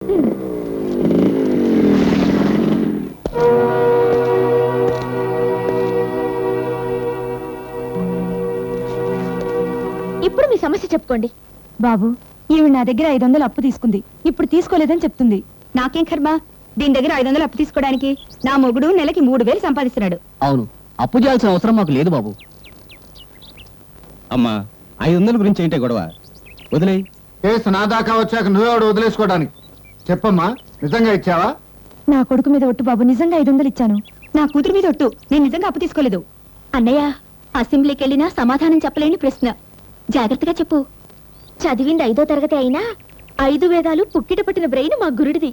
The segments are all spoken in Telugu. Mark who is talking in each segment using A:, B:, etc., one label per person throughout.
A: ఇప్పుడు మీ సమస్య చెప్పుకోండి.
B: బాబు, ఈవిడ నా దగ్గర 500 అప్పు తీసుకుంది. ఇప్పుడు తీసుకోలేదని చెప్తుంది. నాకేం కర్మ? దీని దగ్గర 500 అప్పు తీసుకోవడానికి నా మొగుడు నెలకి 3000 సంపాదిస్తున్నాడు.
C: అవును, అప్పు చేయాల్సిన అవసరం మాకు లేదు బాబు.
D: అమ్మా, 500 గురించి ఏంటే గొడవ? వదిలేయ్.
E: కేసు నా దాకా వచ్చాక నువ్వెవడు వదిలేసుకోవడానికి? చెప్పమ్మా, నిజంగా ఇచ్చావా?
B: నా కొడుకు మీద ఒట్టు బాబు, నిజంగా 500 ఇచ్చాను. నా కూతురు మీద ఒట్టు, నేను నిజంగా అప్పు తీసుకోలేదు.
A: అన్నయ్య, అసెంబ్లీకి వెళ్ళినా సమాధానం చెప్పలేని ప్రశ్న. జాగ్రత్తగా చెప్పు. చదివింది 5వ తరగతి అయినా 5 వేదాలు పుక్కిట పట్టిన బ్రెయిన్ మా గురుడిది.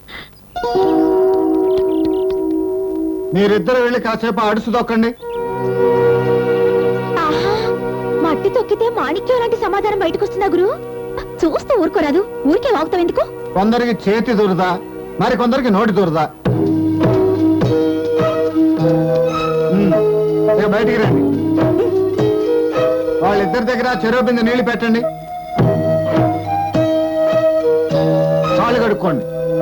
E: మీరిద్దరు వెళ్ళి కాసేపు అడుసు దొక్కండి.
A: ఆహా, మట్టి తొక్కితే మాణిక్యం లాంటి సమాధానం బయటకు వస్తుందా గురు? చూస్తూ ఊరుకోరాదు, ఊరికే వాగుతావు ఎందుకు?
E: కొందరికి చేతి దురదా, మరి కొందరికి నోటి దురదా. బయటికి రండి. వాళ్ళిద్దరి దగ్గర చెరువు బిందె నీళ్లు పెట్టండి. కాళ్ళు కడుక్కోండి.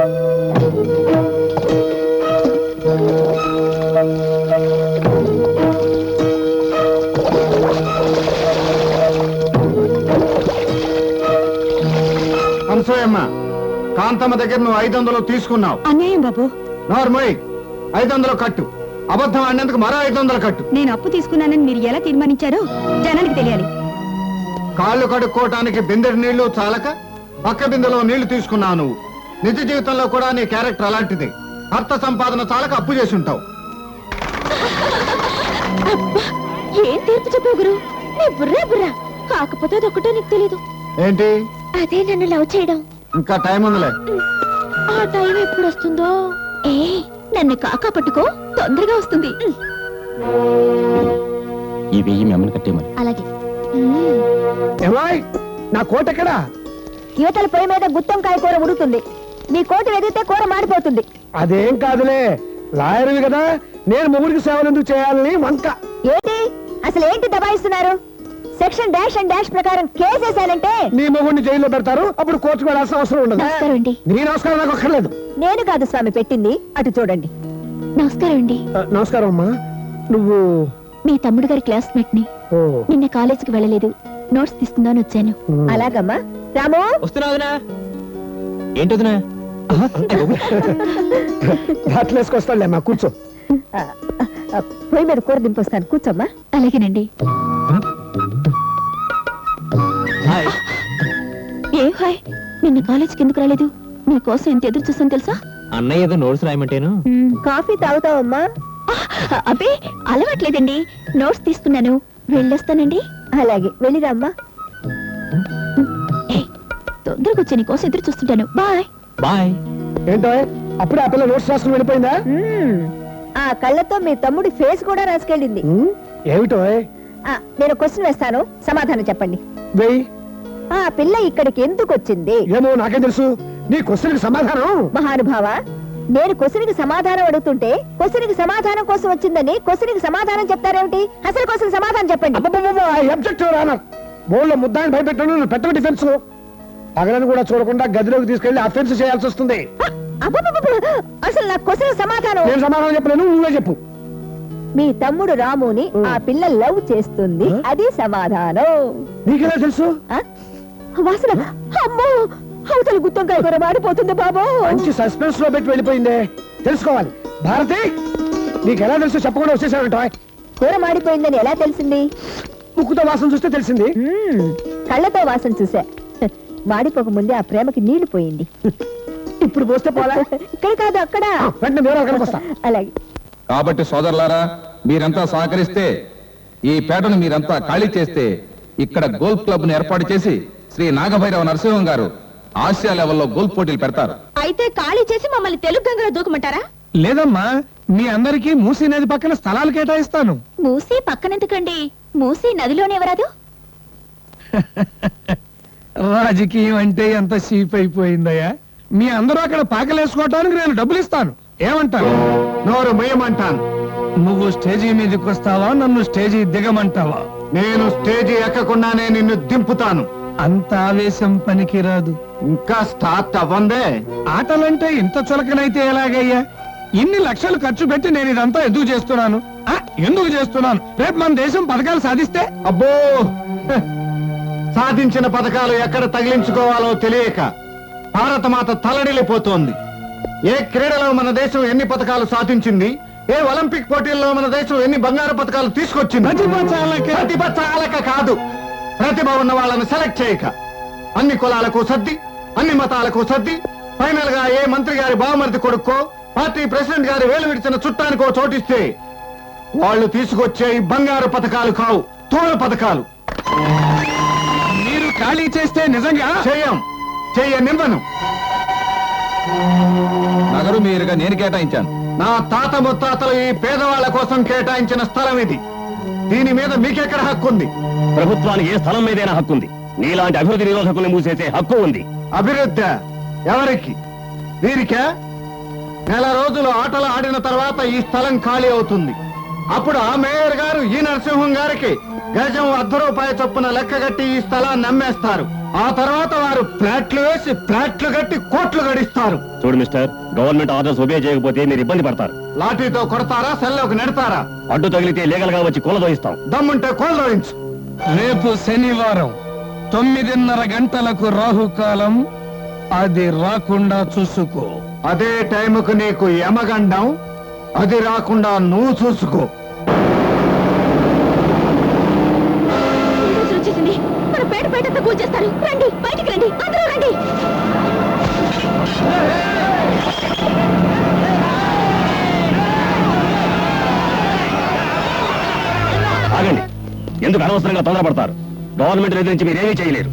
E: అనసూయమ్మ, కాంతమ్మ దగ్గర నువ్వు 500 తీసుకున్నావు.
B: అన్యాయం బాబు.
E: నోర్మోయ్, 500 కట్టు. అబద్ధం ఆడినందుకు మరో 500 కట్టు.
B: నేను అప్పు తీసుకున్నానని మీరు ఎలా తీర్మానించారో జనానికి తెలియాలి.
E: కాళ్ళు కడుక్కోవటానికి బిందెడి నీళ్లు చాలక పక్క బిందెలో నీళ్లు తీసుకున్నావు నువ్వు. నిజ జీవితంలో కూడా నీ క్యారెక్టర్ అలాంటిది. అర్థ సంపాదన చాలక అప్పు చేసి ఉంటావు.
A: ఏం తీర్పు చెప్పావు గురు? నీ బుర్రా బుర్రా. కాకపోతే అదొక్కటో నీకు తెలీదు.
E: ఏంటి?
A: అదే నన్ను లవ్ చేయడం.
E: ఇంకా టైం ఉందిలే.
A: ఆ టైం ఎప్పుడు వస్తుందో? ఏ నన్ను కాకా పట్టుకో, తొందరగా వస్తుంది.
D: ఈ 1000 మెమ్మని కట్టేమని.
A: అలాగే.
E: నా కోట ఎక్కడా?
B: యువతల పొయ్యి మీద గుత్తంకాయ కూర ఉడుతుంది. నీ కోట ఎదిగితే కూర మాడిపోతుంది.
E: అదేం కాదులే, లాయర్వి కదా, నేను మొగుడికి సేవలు ఎందుకు చేయాలని వంక.
B: ఏంటి అసలు ఏంటి దబాయిస్తున్నారు? సెక్షన్ డాష్ అండ్ డాష్ ప్రకారం కేసేసానంటే
E: నీ మొగుడిని జైల్లో పెడతారు. అప్పుడు కోర్టుకు వెళ్ళాల్సిన అవసరం ఉండదు.
A: నమస్కారం అండి.
E: నీ నమస్కారం నాకు అక్కర్లేదు.
B: నేను కాదు స్వామి పెట్టింది, అటు చూడండి.
A: నమస్కారం అండి.
E: నమస్కారం అమ్మా. నువ్వు
A: మీ తమ్ముడు గారి క్లాస్మేట్ ని. నిన్న కాలేజీకి వెళ్ళలేదు, నోట్స్ తీసుకుందాని వచ్చాను.
B: అలాగమ్మా. రాము,
D: వస్తున్నా. ఏంటొదినా?
E: దాట్లేసుకొస్తాడులే అమ్మా, కూర్చో.
B: పొయ్యి మీద కూర దింపొస్తాను, కూర్చోమ్మా.
A: అలాగేనండి. ఏ హాయ్, నిన్న కాలేజీకి ఎందుకు రాలేదు? నీకోసం ఎంత ఎదురు చూసాను తెలుసా?
D: అన్నయ్య ఏదో నోట్స్ రాయమంటేను.
B: కాఫీ తాగుతావమ్మా?
A: అబ్బే అలవాట్లేదండి, నోట్స్ తీసుకున్నాను, వెళ్ళొస్తానండి.
B: అలాగే, వెళ్ళిరామ్మా.
A: తొందరగా వచ్చి నీకోసం ఎదురు చూస్తుంటాను. Bye
D: bye.
E: ఏంటో అప్పుడే ఆ పిల్ల నోట్స్ రాసుకుని వెళ్ళిపోయిందా?
B: ఆ కళ్ళతో మీ తమ్ముడి ఫేస్ కూడా రాసుకెళ్ళింది.
E: ఏమిటో?
B: నేను క్వశ్చన్ వేస్తాను, సమాధానం చెప్పండి.
E: వెయ్యి.
B: ఆ పిల్ల ఇక్కడికి ఎందుకు వచ్చింది?
E: ఏమో నాకేం తెలుసు. నీ క్వశ్చన్ కి సమాధానం?
B: మహానుభావ, నేను క్వశ్చన్ కి సమాధానం అడుగుతుంటే క్వశ్చన్ కి సమాధానం కోసం వచ్చిందని క్వశ్చన్ కి సమాధానం చెప్తారేమిటి? అసలు క్వశ్చన్ సమాధానం చెప్పండి.
E: బోర్డులో ముద్దాన్ని భయపెట్టాను, పెట్ట డిఫెన్స్. పగలను కూడా చూడకుండా గదిలోకి తీసుకెళ్లి అఫెన్స్ చేయాల్సి వస్తుంది.
B: అసలు నా క్వశ్చన్ సమాధానం.
E: నేను సమాధానం చెప్పలేను, నువ్వే చెప్పు.
B: మీ తమ్ముడు రాముని ఆ పిల్ల లవ్ చేస్తుంది, అది సమాధానం.
E: నీకెలా తెలుసు?
B: వాసన, అమ్మో, అవతల గుత్తంకాయ కూర మాడిపోతుంది బాబు.
E: మంచి సస్పెన్స్ లో పెట్టి వెళ్ళిపోయిందే, తెలుసుకోవాలి. భారతి, నీకెలా తెలుసు? చెప్పకుండా వచ్చేసానంట.
B: కూర మాడిపోయిందని ఎలా తెలిసింది?
E: ముక్కుతో వాసన చూస్తే తెలిసింది.
B: కళ్ళతో వాసన చూసా. మాడిపోక ముందే ఆ ప్రేమకి నీళ్లు పోయింది.
E: ఇప్పుడు పోస్తే పోలా?
B: ఇక్కడ కాదు, అక్కడ.
E: వెంటనే నేను అక్కడికి వస్తా.
B: అలాగే.
F: కాబట్టి సోదరులారా, మీరంతా సహకరిస్తే, ఈ పేటను మీరంతా ఖాళీ చేస్తే, ఇక్కడ గోల్ఫ్ క్లబ్ ను ఏర్పాటు చేసి శ్రీ నాగభైరవ నరసింహం గారు ఆసియా లెవెల్లో గోల్ఫ్ పోటీలు పెడతారు.
A: అయితే ఖాళీ చేసి మమ్మల్ని తెలుగు గంగలో దూకమంటారా?
E: లేదమ్మా, మీ అందరికీ మూసీ నది పక్కన స్థలాలు కేటాయిస్తాను.
A: మూసీ పక్కనెందుకండి? మూసీ నదిలోనే ఎవరాదు?
E: రాజకీయం అంటే ఎంత చీప్ అయిపోయిందయ్యా. మీ అందరూ అక్కడ పాకలేసుకోవటానికి నేను డబ్బులు ఇస్తాను. ఏమంటాను? నోరు మొయ్యమంటాను. నువ్వు స్టేజీ మీదకి వస్తావా, నన్ను స్టేజీ దిగమంటావా? నేను స్టేజీ ఎక్కకుండానే నిన్ను దింపుతాను. అంత ఆవేశం పనికిరాదు.
G: ఇంకా స్టార్ట్ అవ్వందే.
E: ఆటలంటే ఇంత చులకనైతే ఎలాగయ్యా? ఇన్ని లక్షలు ఖర్చు పెట్టి నేను ఇదంతా ఎందుకు చేస్తున్నాను? ఎందుకు చేస్తున్నాను? రేపు మన దేశం పథకాలు సాధిస్తే
G: అబ్బో హ, సాధించిన పథకాలు ఎక్కడ తగిలించుకోవాలో తెలియక భారతమాత తలడిల్లిపోతోంది. ఏ క్రీడలో మన దేశం ఎన్ని పథకాలు సాధించింది, ఏ ఒలింపిక్ పోటీల్లో మన దేశం ఎన్ని బంగారు పథకాలు తీసుకొచ్చింది. ప్రతిభ చాలక కాదు, ప్రతిభ ఉన్న వాళ్ళని సెలెక్ట్ చేయక. అన్ని కులాలకు సర్ది, అన్ని మతాలకు సర్ది, ఫైనల్ గా ఏ మంత్రి గారి బావమరిది కొడుక్కో, పార్టీ ప్రెసిడెంట్ గారి వేలు విడిచిన చుట్టానికో చోటిస్తే వాళ్ళు తీసుకొచ్చే ఈ బంగారు పథకాలు కావు, తోలు పథకాలు.
E: మీరు ఖాళీ చేస్తే నిజంగా
G: చెయ్యనివ్వను.
F: నగరు మీరుగా నేను కేటాయించాను.
G: నా తాత ముత్తాతలు ఈ పేదవాళ్ల కోసం కేటాయించిన స్థలం ఇది. దీని మీద మీకెక్కడ హక్కు ఉంది?
H: ప్రభుత్వానికి ఏ స్థలం మీదైనా హక్కు ఉంది. నీలాంటి అభివృద్ధి నిరోధకుల్ని మూసేసే హక్కు ఉంది.
G: అభివృద్ధి ఎవరికి? వీరికే? నెల రోజులు ఆటలు ఆడిన తర్వాత ఈ స్థలం ఖాళీ అవుతుంది. అప్పుడు ఆ మేయర్ గారు ఈ నరసింహం గారికి గజం ₹1 చొప్పున లెక్కగట్టి ఈ స్థలాన్ని అమ్మేస్తారు. ఆ తర్వాత వారు ఫ్లాట్లు వేసి ఫ్లాట్లు కట్టి కోట్లు గడిస్తారు.
H: చూడు మిస్టర్, గవర్నమెంట్ ఆర్డర్స్ ఒబే చేయకపోతే మీరు ఇబ్బంది పడతారు.
G: లాఠీతో కొడతారా, సెల్లోకి నెడతారా?
H: అడ్డు తగిలితే లీగల్ గా వచ్చి కూలదోయిస్తాం.
G: దమ్ముంటే కోల్దోయించు.
E: రేపు శనివారం 9:30 గంటలకు రాహుకాలం, అది రాకుండా చూసుకో.
G: అదే టైముకు నీకు యమగండం, అది రాకుండా నువ్వు చూసుకో.
A: ఈ రోజు వచ్చేసింది. మన పేటంతా కూల్చేస్తారు. రండి, బయటికి రండి, అందరూ రండి.
H: ఆగండి, ఎందుకు అనవసరంగా తొందరపడతారు? గవర్నమెంట్ ఎదిరించి మీరేమీ చేయలేరు.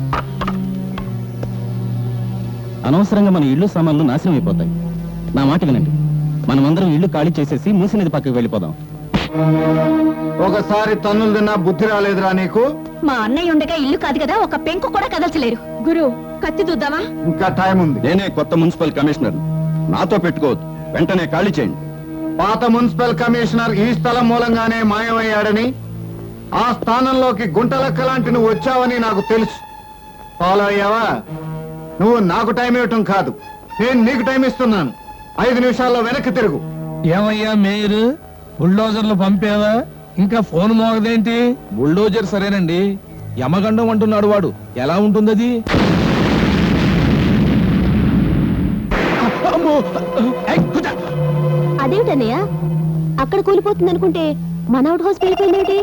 C: అనవసరంగా మన ఇళ్ళు సామాన్లు నాశనం అయిపోతాయి. నా మాట వినండి, మనమందరం ఇళ్ళు ఖాళీ చేసేసి మూసినది పక్కకి వెళ్ళిపోదాం.
G: ఒకసారి తన్నులు తిన్నా బుద్ధి రాలేదురా నీకు?
A: మా అన్నయ్య ఉండగా ఇల్లు కాదు కదా, ఒక పెంకు కూడా కదల్చలేరు. గురు, కత్తి చూద్దామా?
G: ఇంకా టైం ఉంది.
F: నేనే కొత్త మున్సిపల్ కమిషనర్, నాతో పెట్టుకోవద్దు, వెంటనే ఖాళీ చేయండి.
G: పాత మున్సిపల్ కమిషనర్ ఈ స్థలం మూలంగానే మాయమయ్యాడని, ఆ స్థానంలోకి గుంటలక్క లాంటి నువ్వు వచ్చావని నాకు తెలుసు. ఫాలో అయ్యావా? నువ్వు నాకు టైం ఇవ్వటం కాదు, నేను నీకు టైం ఇస్తున్నాను. 5 నిమిషాల్లో వెనక్కి తిరుగు.
E: ఏమయ్యా మేయర్, బుల్డోజర్లు పంపేవా? ఇంకా ఫోన్ మోగదేంటి?
F: బుల్డోజర్ సరేనండి, యమగండం అంటున్నాడు వాడు. ఎలా ఉంటుందది?
A: అదేమిటన్నయ్య, అక్కడ కూలిపోతుంది అనుకుంటే మన అవుట్ హౌస్ వెళ్ళిపోయిందేమిటి?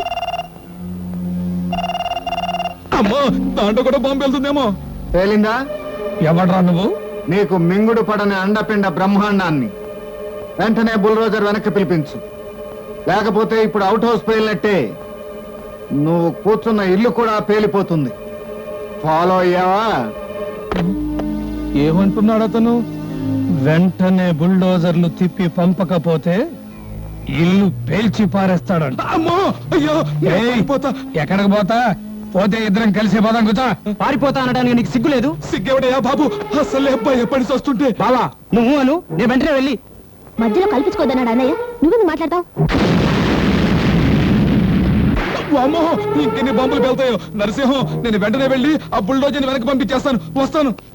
F: అమ్మో, దాంట్లో కూడా బాంబు వెళ్తుందేమో.
G: తేలిందా?
E: ఎవడ్రా నువ్వు?
G: నీకు మింగుడు పడని అండపిండ బ్రహ్మాండాన్ని. వెంటనే బుల్రోజర్ వెనక్కి పిలిపించు, లేకపోతే ఇప్పుడు అవుట్ హౌస్ పేలినట్టే నువ్వు కూర్చున్న ఇల్లు కూడా పేలిపోతుంది. ఫాలో అయ్యావా?
E: ఏమంటున్నాడు అతను? వెంటనే బుల్డోజర్లు తిప్పి పంపకపోతే ఇల్లు పేల్చి పారేస్తాడంట.
F: అమ్మో, అయ్యో,
E: ఏయ్, ఎక్కడికి పోతా? పోతే ఇద్దరం కలిసి పోదాం. కూర్చో.
C: పారిపోతా అనడానికి నీకు సిగ్గు లేదు?
F: సిగ్గేవడయ్యా బాబు, అసలు అబ్బాయి ఎప్పటి వస్తుంటే.
C: బావా, నువ్వు అను, నేను వెంటనే వెళ్ళి.
A: మధ్యలో కల్పించుకోదన్నాడు అన్నయ్య, నువ్వెందుకు మాట్లాడతావు?
F: అమ్మో, ఇంకెన్ని బాంబులు వెళ్తాయో. నరసింహం, నేను వెంటనే వెళ్ళి ఆ బుల్డోజర్ని వెనక్కి పంపించేస్తాను. వస్తాను.